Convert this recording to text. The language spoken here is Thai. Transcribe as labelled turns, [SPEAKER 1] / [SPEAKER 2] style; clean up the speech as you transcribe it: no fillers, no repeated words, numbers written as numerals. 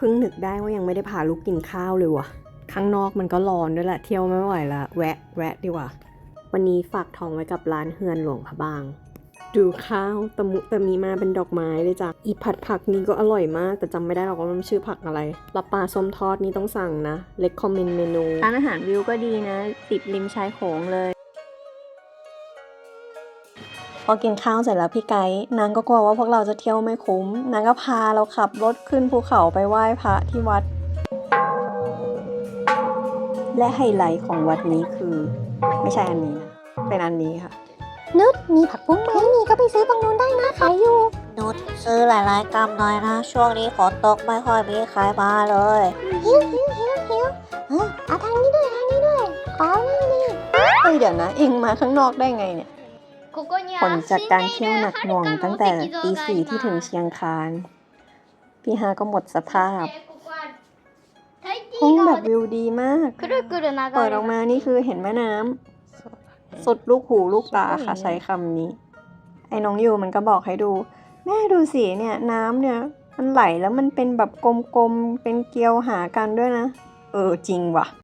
[SPEAKER 1] พิ่งนึกได้ว่ายังไม่ได้พาลูกกินข้าวเลยว่ะข้างนอกมันก็ร้อนด้วยแหละเที่ยวไม่ไหวละแวะดีกว่าวันนี้ฝากท้องไว้กับร้านเฮือนหลวงพระบางดูข้าวตะมุตะมีมาเป็นดอกไม้เลยจ้ะอีผัดผักนี้ก็อร่อยมากแต่จำไม่ได้หรอกว่ามันชื่อผักอะไรปลาส้มทอดนี่ต้องสั่งนะเล็กคอมเมนต์เมนูร้านอาหารวิวก็ดีนะติดริมชายโขงเลยพอกินข้าวเสร็จแล้วพี่ไกด์นางก็กลัวว่าพวกเราจะเที่ยวไม่คุ้มนางก็พาเราขับรถขึ้นภูเขาไปไหว้พระที่วัดและไฮไลท์ของวัดนี้คือไม่ใช่อันนี้นะเป็นอันนี้ค่ะนุชมีผักบุ้งไหมมีก็ไปซื้อตรงนู้นได้นะขายอยู่
[SPEAKER 2] นุชซื้อหลายๆกรัมหน่อยนะช่วงนี้ฝนตกไม่ค่อยมีใครมาเลย
[SPEAKER 3] หิวเอาทางนี้ด้วยขอนั่งนี่
[SPEAKER 1] เฮ้ยเดี๋ยวนะเองมาข้างนอกได้ไงเนี่ยผลจากการเที่ยวหนักหน่วงตั้งแต่ตี 4ที่ถึงเชียงคานพี่ฮาก็หมดสภาพห้องแบบวิวดีมากเปิดออกมานี่คือเห็นแม่น้ำสุดลูกหูลูกตาค่ะใช้คำนี้ไอ้น้องยูมันก็บอกให้ดูแม่ดูสิเนี่ยน้ำเนี่ยมันไหลแล้วมันเป็นแบบกลมๆเป็นเกลียวหากันด้วยนะจริงว่ะ